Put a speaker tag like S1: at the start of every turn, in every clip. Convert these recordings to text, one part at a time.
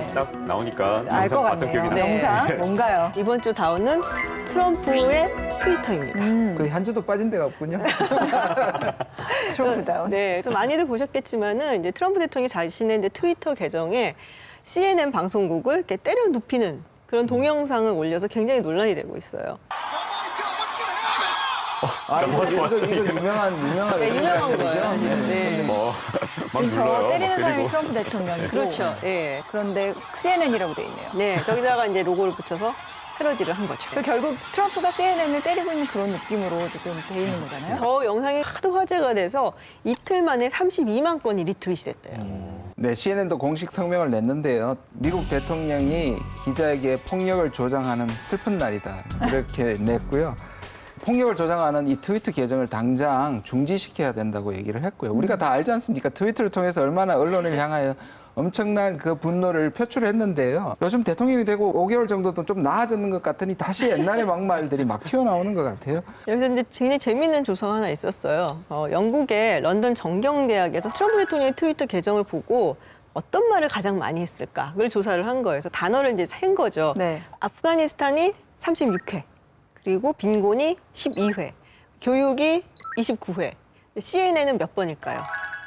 S1: 딱 나오니까
S2: 알 것
S1: 영상 봤던
S2: 같네요.
S1: 기억이 나요.
S2: 영상 뭔가요?
S3: 이번 주 다운은 트럼프의 트위터입니다.
S4: 거의 한 주도 빠진 데가 없군요.
S2: 트럼프 다운.
S3: 네, 좀 많이들 보셨겠지만은 이제 트럼프 대통령이 자신의 이제 트위터 계정에 CNN 방송국을 이렇게 때려 눕히는 그런 동영상을 올려서 굉장히 논란이 되고 있어요.
S4: 이거 유명한
S3: 네, 유명한 거예요. 네.
S1: 뭐, 막
S2: 지금 저
S1: 눌러요.
S2: 때리는
S1: 막
S2: 사람이
S1: 때리고.
S2: 트럼프 대통령이고.
S3: 그렇죠. 예.
S2: 그런데 CNN이라고 돼 있네요.
S3: 네, 저기다가 이제 로고를 붙여서 패러디를 한 거죠.
S2: 그 결국 트럼프가 CNN을 때리고 있는 그런 느낌으로 지금 돼 있는 거잖아요.
S3: 저 영상이 하도 화제가 돼서 이틀 만에 32만 건이 리트윗이 됐대요.
S4: 네, CNN도 공식 성명을 냈는데요. 미국 대통령이 기자에게 폭력을 조장하는 슬픈 날이다. 이렇게 냈고요. 폭력을 조장하는 이 트위터 계정을 당장 중지시켜야 된다고 얘기를 했고요. 우리가 다 알지 않습니까? 트위터를 통해서 얼마나 언론을 향하여 엄청난 그 분노를 표출했는데요. 요즘 대통령이 되고 5개월 정도도 좀 나아졌는 것 같으니 다시 옛날의 막말들이 막 튀어나오는 것 같아요.
S3: 여기서 이제 굉장히 재미있는 조사가 하나 있었어요. 영국의 런던 정경대학에서 트럼프 대통령의 트위터 계정을 보고 어떤 말을 가장 많이 했을까? 그걸 조사를 한 거예요. 그래서 단어를 이제 센 거죠.
S2: 네.
S3: 아프가니스탄이 36회, 그리고 빈곤이 12회, 교육이 29회. CNN은 몇 번일까요?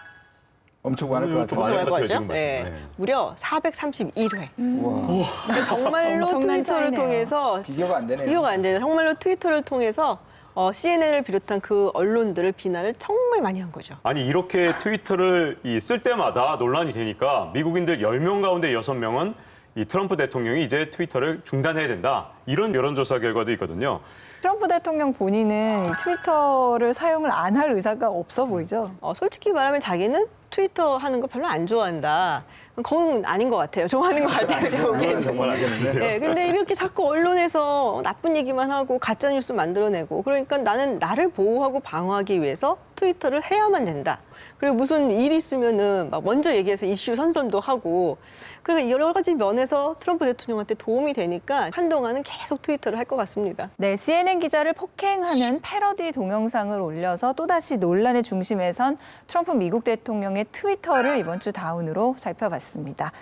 S4: 엄청 많을 것
S1: 좀
S4: 같아요.
S1: 많을 것 같아요,
S3: 거죠?
S1: 지금
S3: 네.
S1: 말씀. 네.
S3: 무려 431회.
S4: 우와,
S3: 그러니까 정말로
S2: 엄청난
S3: 트위터를
S2: 차이네요.
S3: 통해서
S4: 비교가 안 되네요.
S3: 비교가 안 되죠. 정말로 트위터를 통해서 CNN을 비롯한 그 언론들을 비난을 정말 많이 한 거죠.
S1: 아니 이렇게 트위터를 쓸 때마다 논란이 되니까 미국인들 10명 가운데 6명은 이 트럼프 대통령이 이제 트위터를 중단해야 된다. 이런 여론조사 결과도 있거든요.
S2: 트럼프 대통령 본인은 이 트위터를 사용을 안 할 의사가 없어 보이죠.
S3: 솔직히 말하면 자기는 트위터 하는 거 별로 안 좋아한다. 그건 아닌 것 같아요. 좋아하는 것 같아요.
S4: 그건
S3: 저기.
S4: 정말 알겠는데.
S3: 네, 근데 이렇게 자꾸 언론에서 나쁜 얘기만 하고 가짜 뉴스 만들어내고 그러니까 나는 나를 보호하고 방어하기 위해서 트위터를 해야만 된다. 그리고 무슨 일이 있으면은 막 먼저 얘기해서 이슈 선점도 하고 그러니까 여러 가지 면에서 트럼프 대통령한테 도움이 되니까 한동안은 계속 트위터를 할 것 같습니다.
S2: 네, CNN 기자를 폭행하는 패러디 동영상을 올려서 또다시 논란의 중심에 선 트럼프 미국 대통령의 트위터를 이번 주 다운으로 살펴봤습니다.